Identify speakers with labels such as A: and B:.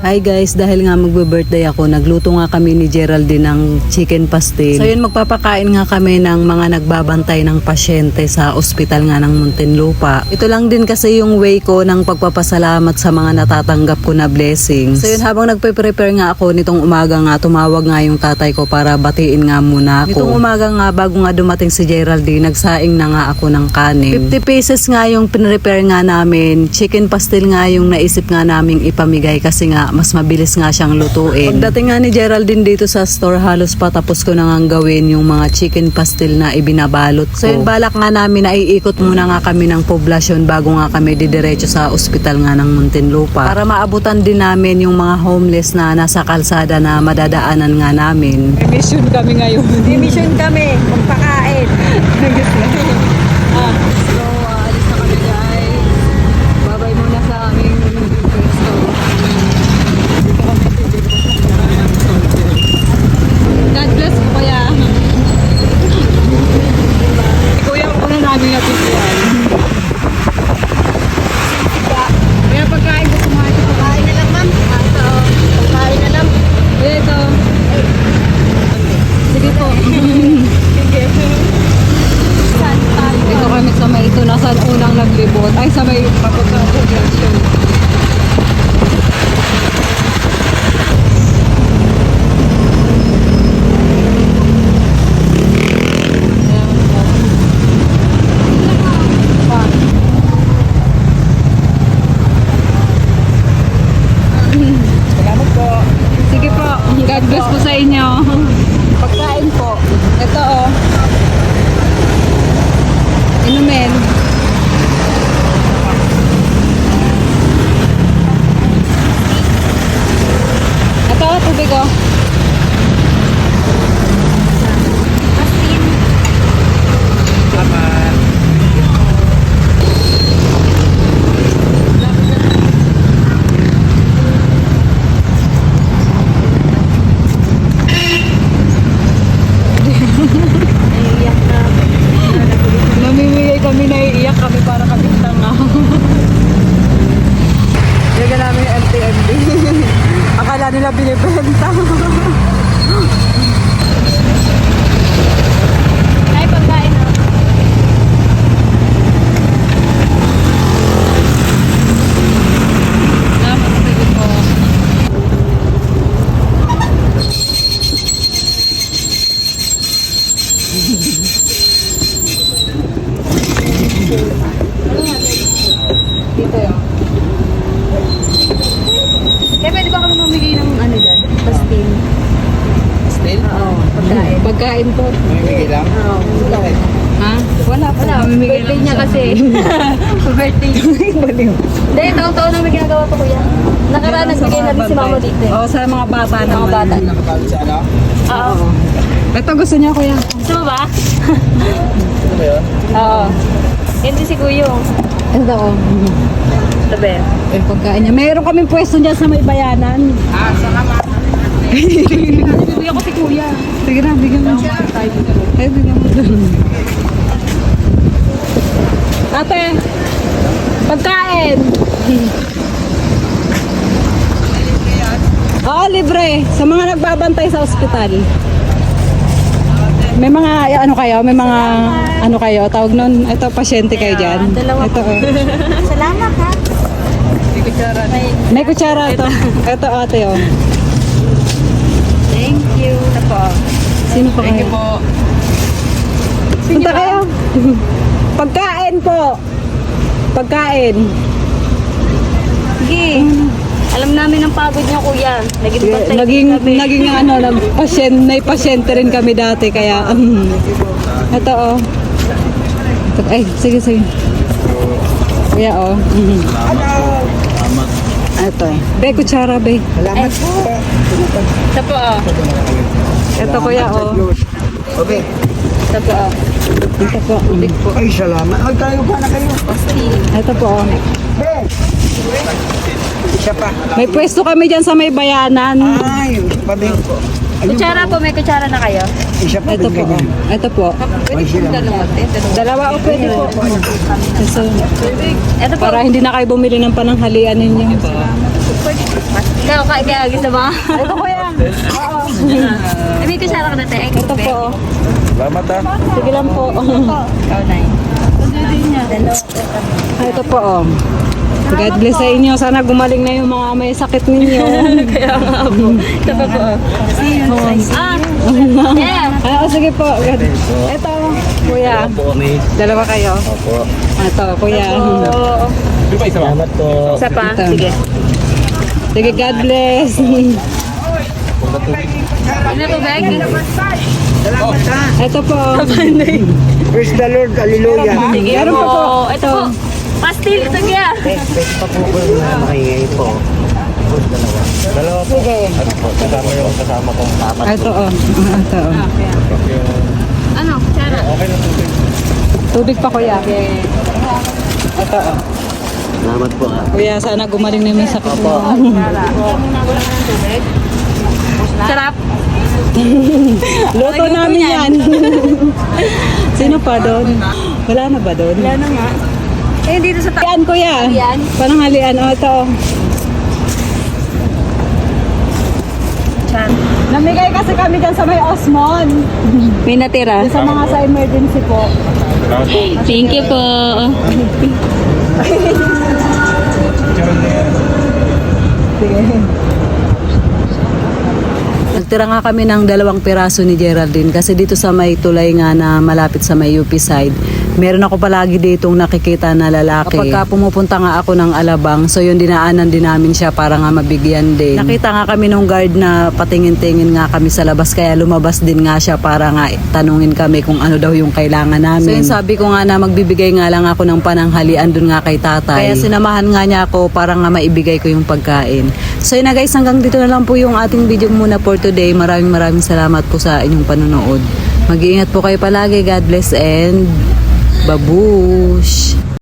A: Hi guys, dahil nga magbe-birthday ako, nagluto nga kami ni Geraldine ng chicken pastel. So yun, magpapakain nga kami ng mga nagbabantay ng pasyente sa ospital nga ng Muntinlupa. Ito lang din kasi yung way ko ng pagpapasalamat sa mga natatanggap ko na blessings. So yun, habang nagpe-prepare nga ako nitong umaga nga, tumawag nga yung tatay ko para batiin nga muna ako. Nitong umaga nga, bago nga dumating si Geraldine, nagsaing na nga ako ng kanin. 50 pesos nga yung pinrepare nga namin. Chicken pastel nga yung naisip nga naming ipamigay kasi nga mas mabilis nga siyang lutuin. Pagdating nga ni Geraldine dito sa store, halos patapos ko na nga gawin yung mga chicken pastel na ibinabalot ko. So yun, balak nga namin na iikot muna nga kami ng poblasyon bago nga kami didiretso sa ospital nga ng Muntinlupa. Para maabutan din namin yung mga homeless na nasa kalsada na madadaanan nga namin. Mission kami ngayon.
B: Mission kami, magpakain.
A: So, alis na kami guys. Babay muna sa aming pwesto. God bless po kuya. Kuya, ako na namin napitiyan. Kaya pagkain ko kumain.
B: Pagkain na lang, ma'am. Pagkain na lang.
A: Ito. Sige po. Ito kami sa may ito na sa unang naglibot. Ay, sa may pagkakapaglasyon.
B: Salamat po.
A: Sige po. God bless po sa inyo.
B: Pagkain po.
A: Ito oh. Inumin. Ito, tubig oh.
B: Naiiyak na.
A: Namimigay kami, naiiyak kami para kami tanga. Yaga namin yung MTMD. Akala nila binibenta.
B: Ay, pagkain na.
A: Sige po. Dito yun.
B: Kaya pwede ba kami mamigay ng ano dyan? Pastil.
C: Still?
B: Oo, pagkain.
A: Pagkain po.
C: Mamimigay lang?
B: Oo, pagkain.
A: Ha? Wala po.
B: Wala,
A: Mamimigay
B: birthday
A: lang
B: niya
A: siya.
B: kasi. Birthday.
A: Baliw.
B: Hindi, taon-taon na may ginagawa ko kuya. Nakaraan, nagbigay na rin si mama dito.
A: Oo, sa mga bata
B: Mga
A: naman.
B: bata.
C: Nakabalot sa ano?
B: Oo.
A: Ito gusto niya kuya.
B: Gusto mo ba?
C: Ano ba yun?
B: Oo. Hindi si Kuyong.
A: Ito oh.
B: Tabi.
A: Eh, pagkain niya. Mayroon kaming pwesto dyan sa may bayanan.
C: Ah, salamat.
A: Bibigyan ko si kuya. Sige na, bigyan mo siya. Ay, bigyan mo doon. Ate, pagkain. Oo, libre. Sa mga nagbabantay sa ospital. May mga, ano kayo? May mga, ano kayo? Tawag nun, ito, pasyente kayo dyan.
B: Dalawa
A: Ito,
B: po.
A: oh.
B: Salamat ha.
A: May kutsara ito. Ito, ate, oh.
B: Thank you. Ito po.
A: Sino pa
C: Thank
A: kayo?
C: you po.
A: Punta kayo. Pagkain po. Pagkain.
B: Sige. Alam namin ang pagod niya kuya. Naging bantay
A: Naging,
B: din kami.
A: naging ano, pasyente rin kami dati. Kaya, ito oh. Ito, ay, sige, sige. Kuya oh.
C: Salamat.
A: Ito. Be, kutsara, be.
C: Salamat po.
B: Ito po oh.
A: Ito, kuya oh.
C: Okay.
B: Ito po oh.
A: Ito po.
C: Ay, salamat. Ay, tayo pa na kayo.
A: Ito po oh.
C: Isa pa.
A: May pwesto kami dyan sa may bayanan.
C: Ay, pabi po.
B: Kutsara po, may kutsara na kayo?
C: Isa pa
A: Ito
C: din
A: po oh.
C: ganyan.
A: Ito po.
B: Pwede po dalawa.
A: Dalawa o pwede po. So,
B: Ito po.
A: para hindi na kayo bumili ng pananghalian ninyo.
B: Pwede po. Ikaw, kaya gusto mo?
A: Ito kuya.
B: Ay, may kasara ka na tayo.
A: Ito po.
C: Salamat ha.
A: Sige lang po.
B: Ikaw na yun.
A: Ito po. God bless sa inyo. Sana gumaling na yung mga may sakit ninyo.
B: Kaya nga po. Ito pa po. Ah! Yeah!
A: Sige po. Ito, kuya. Dalawa kayo. Ito, kuya.
C: Salamat po.
B: Isa pa?
A: Ito.
B: Sige.
A: Sige, God bless.
B: Ano po, Beg?
C: Salamat ha.
A: Ito po.
C: Praise the Lord. Hallelujah.
B: Sige
A: Meron
B: po.
A: pa po.
B: Ito po. Pastil, ito kaya.
C: Pwede pa po ko na makingay po. Dalawa po.
A: Sige.
C: Ano po? Kasama yung kasama kong apat.
A: Ito, oh. Ito, oh.
B: Ano? Sara?
C: Okay na po.
A: Tubig pa, kuya. Ito, oh.
C: Salamat po ha.
A: Kuya, sana gumaling na yung may sakit mo.
B: Sarap.
A: Luto namin yan. Sino pa doon? Wala na ba doon?
B: Wala na nga. Eh, dito sa
A: Halian, kuya.
B: Halian?
A: Pananghalian. Oh, ito.
B: Chan.
A: Namigay kasi kami dyan sa may Osmond.
B: May natira.
A: Sa mga sa emergency po.
B: Thank you po.
A: Sige. Nagtira nga kami ng 2 piraso ni Geraldine kasi dito sa may tulay nga na malapit sa may UP side, meron ako palagi ditong nakikita na lalaki. Kapag pumupunta nga ako ng Alabang, so yun dinaanan din namin siya para nga mabigyan din. Nakita nga kami nung guard na patingin-tingin nga kami sa labas kaya lumabas din nga siya para nga tanungin kami kung ano daw yung kailangan namin. So yun sabi ko nga na magbibigay nga lang ako ng pananghalian dun nga kay tatay. Kaya sinamahan nga niya ako para nga maibigay ko yung pagkain. So yun na guys, hanggang dito na lang po yung ating video muna for today. Maraming salamat po sa inyong panonood. Mag-iingat po kayo palagi. God bless and babush!